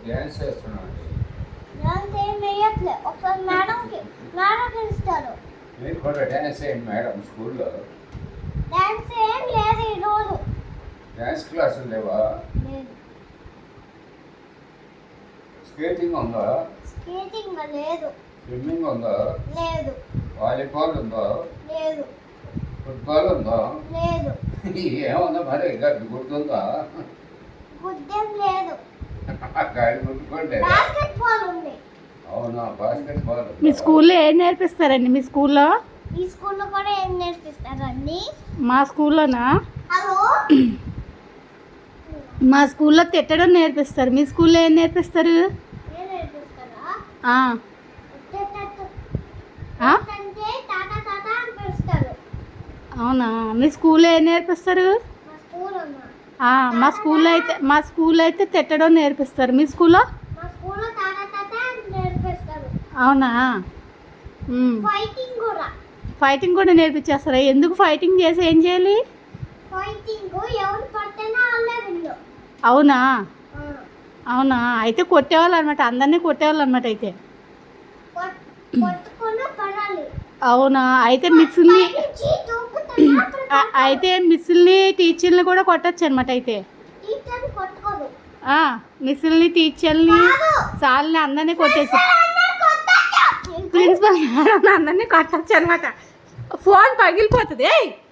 Dance చేస్తున్నాను. Dance ఏం వేయట్లే. ఒకసారి మేడంకి ఇస్తారు. మీరు కూడా డ్యాన్స్ చేయండి మేడం స్కూల్లో. డాన్స్ ఏం లేదు ఈరోజు. డ్యాన్స్ క్లాసులు లేవా? లేదు. స్కేటింగ్ ఉందా? స్కేటింగ్ లేదు. స్విమ్మింగ్ ఉందా? లేదు. వాలీబాల్ ఉందా? లేదు. ఫుట్బాల్ ఉందా? లేదు. ఏముందా మరి గడ్డి గుర్తుందా? గుడ్డేం లేదు. గాడి గుర్తుకోండి. బాస్కెట్బాల్ ఉంది. అవునా, బాస్కెట్బాల్. మీ స్కూల్లో ఏం నేర్పిస్తారండి? మీ స్కూల్లో ఈ స్కూల్లో కూడా ఏం నేర్పిస్తారండి? మా స్కూల్లోనా? హలో. మా స్కూల్లో తిట్టడం నేర్పిస్తారు. మీ స్కూల్లో ఏం నేర్పిస్తారు? ఏం నేర్పిస్తారా? అంటే టాటా టాటా అని పిలుస్తారు. అవునా, మీ స్కూల్లో ఏం నేర్పిస్తారు? మా స్కూల్ అమ్మా. మా స్కూల్లో అయితే తిట్టడం నేర్పిస్తారు. మీ స్కూల్లో? మా స్కూల్లో టాటా టాటా అని నేర్పిస్తారు. అవునా. ఫైటింగ్ కూడా నేర్పించేస్తారా? ఎందుకు ఫైటింగ్ చేసి ఏం చేయాలి? ఫైటింగ్ ఎవరు పడితేనే వాళ్ళే విన్ను. అవునా. అవునా, అయితే కొట్టేవాళ్ళు అనమాట, అందరినీ కొట్టేవాళ్ళు అనమాట అయితే. కొట్టుకుని పడాలి. అవునా, అయితే మిస్సుల్ని టీచర్ని కూడా కొట్టచ్చు అనమాట అయితే. టీచర్ని కొట్టుకోదు. మిస్సుల్ని టీచర్ని సార్ని అందరినీ కొట్టేసి ప్రిన్సిపల్ అందరినీ కొట్టచ్చు అనమాట. ఫోన్ పగిలిపోతుంది.